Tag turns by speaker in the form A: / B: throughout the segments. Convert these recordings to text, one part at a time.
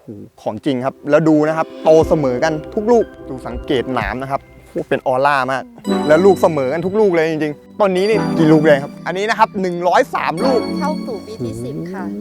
A: ของจริงครับแล้วดูนะครับโตเสมอกันทุกลูกดูสังเกตหนามนะครับเป็นออร่ามากแล้วลูกเสมอกันทุกลูกเลยจริงๆต้นนี้นี่กี่ลูกเลยครับอันนี้นะครับ103ลูก
B: เข้าสู่ปีที่10ค่ะ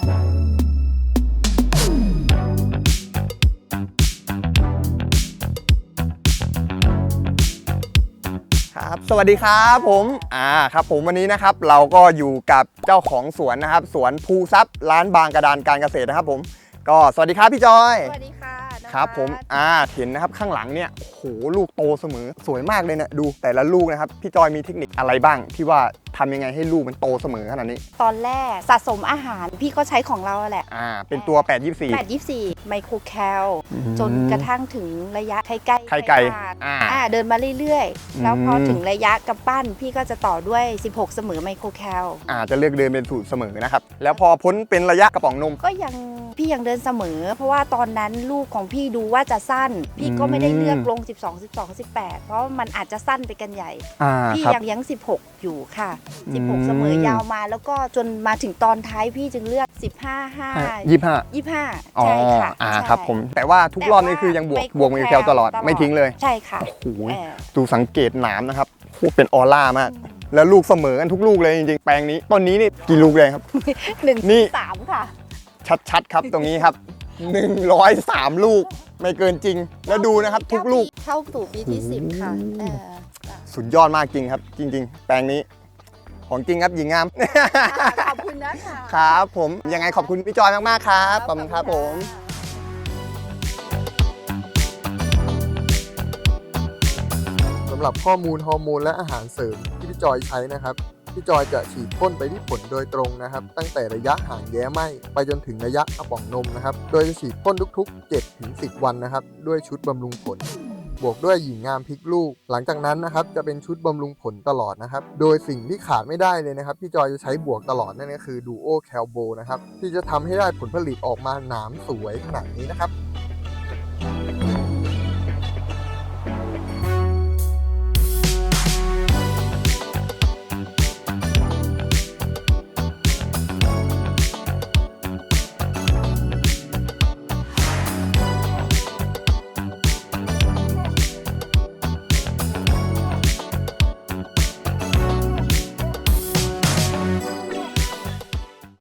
A: ครับสวัสดีครับผมครับผมวันนี้นะครับเราก็อยู่กับเจ้าของสวนนะครับสวนภูทรัพย์ร้านบางกระดานการเกษตรนะครับผมก็สวัสดีครับพี่จอย
B: สวัสดีค่ะ
A: ครับผมเห็นนะครับข้างหลังเนี่ยโหลูกโตเสมอสวยมากเลยนะดูแต่ละลูกนะครับพี่จอยมีเทคนิคอะไรบ้างที่ว่าทำยังไงให้ลูกมันโตเสมอขนาดนี้
B: ตอนแรกสะสมอาหารพี่ก็ใช้ของเราแหละ
A: เป็นตัว
B: 824ไมโครแคลจนกระทั่งถึงระยะไข่ไก่เดินมาเรื่อยๆแล้วพอถึงระยะกำปั้นพี่ก็จะต่อด้วย16เสมอไมโครแคล
A: จะเลือกเดินเป็นสูตรเสมอนะครับแล้วพอพ้นเป็นระยะกระป๋องนม
B: ก็พี่ยังเดินเสมอเพราะว่าตอนนั้นลูกของพี่ดูว่าจะสั้นพี่ก็ไม่ได้เลือกลง12 12 18เพราะมันอาจจะสั้นไปกันใหญ่พี่ยัง16อยู่ค่ะ16เสมอยาวมาแล้วก็จนมาถึงตอนท้ายพี่จึงเลือก25ใช่ค่ะ
A: ครับผมแต่ว่าทุกรอบนี่คือยังบวกไมโครแคลตลอดไม่ทิ้งเลย
B: ใช่ค่ะ
A: โอ้โหดูสังเกตหนามนะครับเป็นออร่ามากแล้วลูกเสมอกันทุกลูกเลยจริงๆแปลงนี้ต้นนี้นี่กี่ลูกเลยครับ
B: นี่3ค่ะ
A: ชัดๆครับตรงนี้ครับ103ลูกไม่เกินจริงแล้วดูนะครับทุกลูก
B: เข้าสู่ปีที่10ค่ะ
A: สุดยอดมากจริงครับจริงๆแปลงนี้ของจริงครับหญิงงาม
B: ขอบคุณนะคะ
A: ครับผมยังไงขอบคุณพี่จอยมากๆครับขอบคุณครับผม
C: สำหรับข้อมูลฮอร์โมนและอาหารเสริมที่พี่จอยใช้นะครับพี่จอยจะฉีดพ่นไปที่ผลโดยตรงนะครับตั้งแต่ระยะห่างแย้ไหมไปจนถึงระยะกระป๋องนมนะครับโดยจะฉีดพ่นทุกๆ 7-10 วันนะครับด้วยชุดบำรุงผลบวกด้วยหญิงงามพริกลูกหลังจากนั้นนะครับจะเป็นชุดบำรุงผลตลอดนะครับโดยสิ่งที่ขาดไม่ได้เลยนะครับพี่จอยจะใช้บวกตลอดนั่นก็คือดูโอแคลโบนะครับที่จะทำให้ได้ผลผลิตออกมาหนามสวยขนาดนี้นะครับ